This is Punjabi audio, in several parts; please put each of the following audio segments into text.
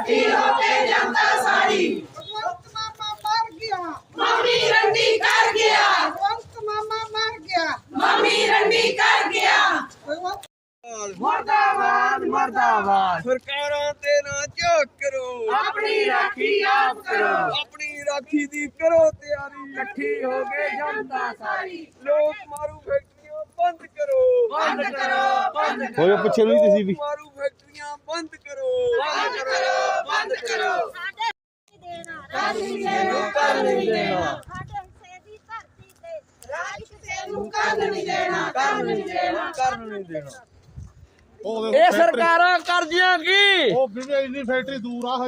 इकट्ठी होके जनता सारी भगवंत मामा मर गया, मम्मी रंडी कर गया, भगवंत मामा मर गया, मम्मी रंडी कर गया। भगवंत मुर्दाबाद मुर्दाबाद। सरकारां ते ना झोक करो, अपनी राखी आप करो, अपनी राखी दी करो तैयारी, इकट्ठी होके जनता सारी लोक मारू फैक्ट्रियां बंद करो, बंद करो बंद करो ਹੋਇਓ ਪਿੱਛੇ ਨੂੰ ਤੁਸੀਂ ਵੀ मारू फैक्ट्रियां बंद करो, बंद करो बंद करो। राज किसे नूं कर नहीं देना, ਸਾਡੇ ਹਿੱਸੇ ਦੀ ਧਰਤੀ ਤੇ राज किसे नूं कर नहीं देना, कर नहीं देना। ਕਰਨ ਨਹੀਂ ਦੇਣਾ। ਇਹ ਸਰਕਾਰਾਂ ਕਰਦੀਆਂ ਕੀ ਉਹ ਵੀਰੇ ਇੰਨੀ ਫੈਕਟਰੀ ਦੂਰ ਆ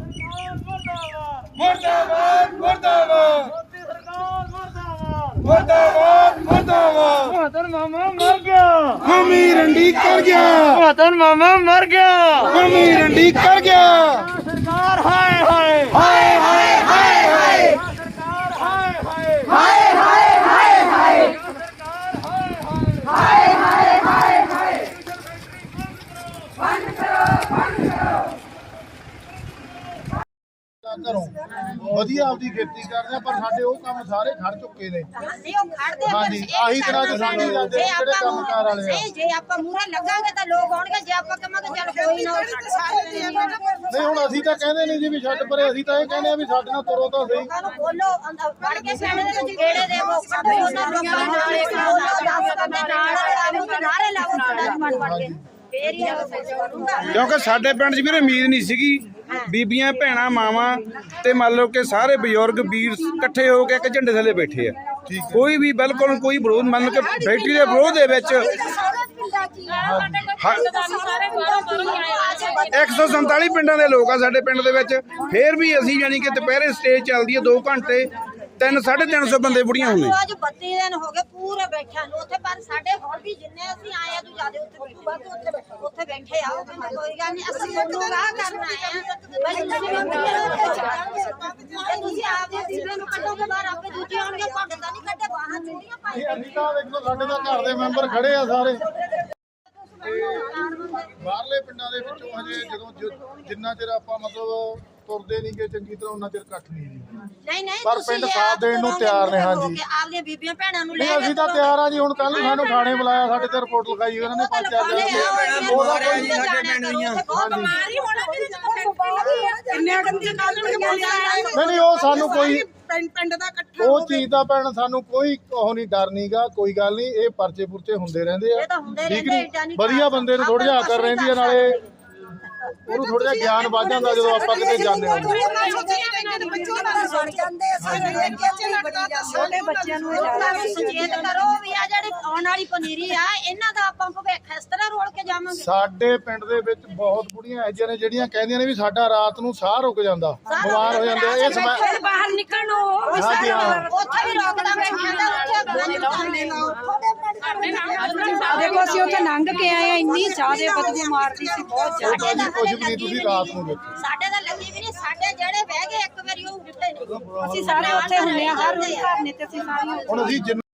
मुर्दाबाद मुर्दाबाद मुर्दाबाद मुर्दाबाद। ਮਹਤਨ ਮਾਮਾ ਮਰ ਗਿਆ ਮਮੀ ਰੰਡੀ ਕਰ ਗਿਆ, ਮਹਤਨ ਮਾਮਾ ਮਰ ਗਿਆ ਮਮੀ ਰੰਡੀ ਕਰ ਗਿਆ। ਸਰਕਾਰ ਹਾਏ ਹਾਏ हाय हाय हाय हाय ਸਰਕਾਰ ਹਾਏ ਹਾਏ हाय हाय हाय हाय ਸਰਕਾਰ ਹਾਏ ਹਾਏ हाय हाय हाय हाय। बंद करो बंद करो। ਘਰੋਂ ਵਧੀਆ ਆਪਦੀ ਖੇਤੀ ਕਰਦੇ ਆ, ਪਰ ਸਾਡੇ ਉਹ ਕੰਮ ਸਾਰੇ ਖੜ ਚੁੱਕੇ ਨੇ। ਨਹੀਂ ਉਹ ਖੜਦੇ ਹਾਂਜੀ, ਆਹੀ ਤਰ੍ਹਾਂ ਦੇ ਸਾਡੇ ਜਾਂਦੇ ਨੇ ਜਿਹੜੇ ਕੰਮਕਾਰ ਵਾਲੇ ਆ। ਜੇ ਆਪਾਂ ਮੂਹਰੇ ਲੱਗਾਂਗੇ ਤਾਂ ਲੋਕ ਆਉਣਗੇ, ਜੇ ਆਪਾਂ ਕਹਾਂਗੇ ਚੱਲ ਕੋਈ ਨਾ ਨਹੀਂ ਹੁਣ ਅਸੀਂ ਤਾਂ ਕਹਿੰਦੇ ਨਹੀਂ ਜੀ ਵੀ ਛੱਡ ਪਰੇ, ਅਸੀਂ ਤਾਂ ਇਹ ਕਹਿੰਦੇ ਆ ਵੀ ਸਾਡੇ ਨਾਲ ਤੁਰੋ ਤਾਂ ਸਹੀ। ਲੋਕਾਂ ਨੂੰ ਬੋਲੋ, ਵੜ ਕੇ ਪਿੰਡ ਦੇ ਵਿੱਚ ਗੇੜੇ ਦੇਵੋ, ਕੱਢੋ ਉਹਨਾਂ ਲੋਕਾਂ ਨੂੰ ਨਾਲ, ਬੋਲੋ 10 ਬੰਦੇ ਨਾਲ ਆਵੋ ਤੇ ਨਾਰੇ ਲਾਵੋ ਸਾਡਾ ਜਮਾਨ ਬਣ ਕੇ, ਫੇਰ ਹੀ ਆਵੋ ਕਰੂੰਗਾ। ਕਿਉਂਕਿ ਸਾਡੇ ਪਿੰਡ 'ਚ ਵੀਰੇ ਉਮੀਦ ਨਹੀਂ ਸੀਗੀ, ਬੀਬੀਆਂ ਭੈਣਾਂ ਮਾਵਾਂ ਤੇ ਮੰਨ ਲਓ ਕਿ ਸਾਰੇ ਬਜ਼ੁਰਗ ਵੀਰ ਇਕੱਠੇ ਹੋ ਕੇ ਇੱਕ ਝੰਡੇ ਥੱਲੇ ਬੈਠੇ ਆ। ਕੋਈ ਵੀ ਬਿਲਕੁਲ ਕੋਈ ਵਿਰੋਧ, ਮੰਨ ਲਓ ਕਿ ਫੈਕਟਰੀ ਦੇ ਵਿਰੋਧ ਦੇ ਵਿੱਚ 147 ਪਿੰਡਾਂ ਦੇ ਲੋਕ ਆ ਸਾਡੇ ਪਿੰਡ ਦੇ ਵਿੱਚ। ਫੇਰ ਵੀ ਅਸੀਂ ਯਾਨੀ ਕਿ ਦੁਪਹਿਰੇ ਸਟੇਜ ਚੱਲਦੀ ਹੈ 2 ਘੰਟੇ, 300-350 ਬੰਦੇ ਬੁੜੀਆਂ ਹੁੰਦੇ। ਅੱਜ 32 ਦਿਨ ਹੋ ਗਏ ਪੂਰੇ ਬੈਠਿਆਂ ਨੂੰ ਉੱਥੇ, ਪਰ ਸਾਡੇ ਹੁਣ ਵੀ ਜਿੰਨੇ ਅਸੀਂ ਆਏ ਆ ਤੂੰ ਜਿਆਦੇ ਉੱਥੇ ਉੱਥੇ ਬੈਠੇ ਆ। ਉਹ ਕਹਿੰਦੇ ਕੋਈ ਗੱਲ ਨਹੀਂ, ਅਸੀਂ ਤੁਹਾਨੂੰ ਰਾਹ ਕਰਨਾ ਹੈ ਬਈ ਤੁਸੀਂ ਆਪਦੇ ਦੀਵੇ ਨੂੰ ਕੱਢੋਗੇ ਬਾਹਰ, ਆਪੇ ਦੂਜੇ ਆਉਣਗੇ, ਤੁਹਾਡੇ ਤਾਂ ਨਹੀਂ ਕੱਢੇ ਬਾਹਰ ਚੁੰਡੀਆਂ ਪਾਈ। ਅਸੀਂ ਤਾਂ ਦੇਖੋ ਸਾਡੇ ਤਾਂ ਘਰ ਦੇ ਮੈਂਬਰ ਖੜੇ ਆ ਸਾਰੇ। ਬਾਹਰਲੇ ਪਿੰਡਾਂ ਦੇ ਵਿੱਚੋਂ ਹਜੇ ਜਦੋਂ ਜਿੰਨਾ ਚਿਰ ਆਪਾਂ ਮਤਲਬ ਤੁਰਦੇ ਨਹੀਂ ਗਏ ਚੰਗੀ ਤਰ੍ਹਾਂ, ਉਹਨਾਂ ਚਿਰ ਇਕੱਠ ਨਹੀਂ ਜੀ। ਨਹੀਂ ਪਰ ਪਿੰਡ ਸਾਥ ਦੇਣ ਨੂੰ ਤਿਆਰ ਨੇ। ਹਾਂਜੀ, ਆਪਦੀਆਂ ਬੀਬੀਆਂ ਭੈਣਾਂ ਨੂੰ ਲੈ ਨਹੀਂ ਅਸੀਂ ਤਾਂ ਤਿਆਰ ਆ ਜੀ। ਹੁਣ ਕੱਲ ਨੂੰ ਸਾਨੂੰ ਥਾਣੇ ਬੁਲਾਇਆ, ਸਾਡੇ ਤੇ ਰਿਪੋਰਟ ਲਿਖਾਈ ਉਹਨਾਂ ਨੇ 5-4 ਦਿਨ। ਉਹਦਾ ਕੋਈ ਸਾਡੇ ਪਿੰਡ ਦੀਆਂ ਬਿਮਾਰੀ ਹੋਣਾ ਕਿਹਦੇ ਚ ਕਿੰਨੇ ਗੰਦੇ ਕਾਲਣਗੇ ਬੋਲਿਆ ਨਹੀਂ ਉਹ ਸਾਨੂੰ ਕੋਈ ਪਿੰਡ ਦਾ ਇਕੱਠਾ ਉਹ ਚੀਜ਼ ਦਾ ਭੈਣ ਸਾਨੂੰ ਕੋਈ ਉਹ ਨਹੀਂ, ਡਰ ਨਹੀਂਗਾ। ਕੋਈ ਗੱਲ ਨਹੀਂ, ਇਹ ਪਰਚੇ ਪੁਰਚੇ ਹੁੰਦੇ ਰਹਿੰਦੇ ਆ, ਇਹ ਤਾਂ ਹੁੰਦੇ ਠੀਕ ਰਹਿੰਦੇ, ਨਹੀਂ। ਵਧੀਆ ਬੰਦੇ ਨੂੰ ਥੋੜਾ ਜਿਹਾ ਅਕਲ ਰਹਿੰਦੀ ਹੈ, ਨਾਲੇ ਉਹਨੂੰ ਥੋੜਾ ਜਿਹਾ ਗਿਆਨ ਵੱਧ ਜਾਂਦਾ ਜਦੋਂ ਆਪਾਂ ਕਿਤੇ ਜਾਂਦੇ ਹਾਂ। ਛੋਟੇ ਬੱਚਿਆਂ ਨੂੰ ਸੁਚੇਤ ਕਰੋ ਵੀ ਆ ਜਿਹੜੀ ਆਉਣ ਵਾਲੀ ਪਨੀਰੀ ਆ, ਇਹਨਾਂ ਦਾ ਆਪਾਂ ਭਵਿੱਖ ਇਸ ਤਰ੍ਹਾਂ ਰੋਲ ਕੇ ਜਾਵਾਂਗੇ। ਸਾਡੇ ਪਿੰਡ ਦੇ ਵਿੱਚ ਬਹੁਤ ਬੁੜੀਆਂ ਇਹੋ ਜਿਹੀਆਂ ਨੇ ਜਿਹੜੀਆਂ ਕਹਿੰਦੀਆਂ ਨੇ ਵੀ ਸਾਡਾ ਰਾਤ ਨੂੰ ਸਾਹ ਰੁਕ ਜਾਂਦਾ, ਬਿਮਾਰ ਹੋ ਜਾਂਦੇ ਆ। ਇਸ ਬਾਹਰ ਨਿਕਲਣ ਨੂੰ ਹਾਂਜੀ ਹਾਂ, ਉੱਥੇ ਵੀ ਰੋਕਦਾ ਬੈਠਿਆ ਤਾਂ ਉੱਥੇ ਦੇਖੋ ਅਸੀਂ ਉੱਥੇ ਲੰਘ ਕੇ ਆਏ ਆ, ਇੰਨੀ ਜ਼ਿਆਦਾ ਬਦਬੂ ਮਾਰਦੀ ਸੀ, ਬਹੁਤ ਜ਼ਿਆਦਾ। ਕੁਝ ਵੀ ਨਹੀਂ, ਤੁਸੀਂ ਰਾਤ ਨੂੰ ਦੇਖੋ। ਸਾਡੇ ਤਾਂ ਲੱਗੀ ਵੀ ਨਹੀਂ, ਸਾਡੇ ਜਿਹੜੇ ਬਹਿ ਗਏ ਇੱਕ ਵਾਰੀ ਉਹ ਉੱਠੇ ਨਹੀਂ। ਅਸੀਂ ਸਾਰੇ ਉੱਥੇ ਹੁੰਦੇ ਆ, ਹਰ ਰੋਜ਼ ਘਰ ਨੇ ਤੇ ਅਸੀਂ ਸਾਰੀਆਂ ਹੁਣ ਅਸੀਂ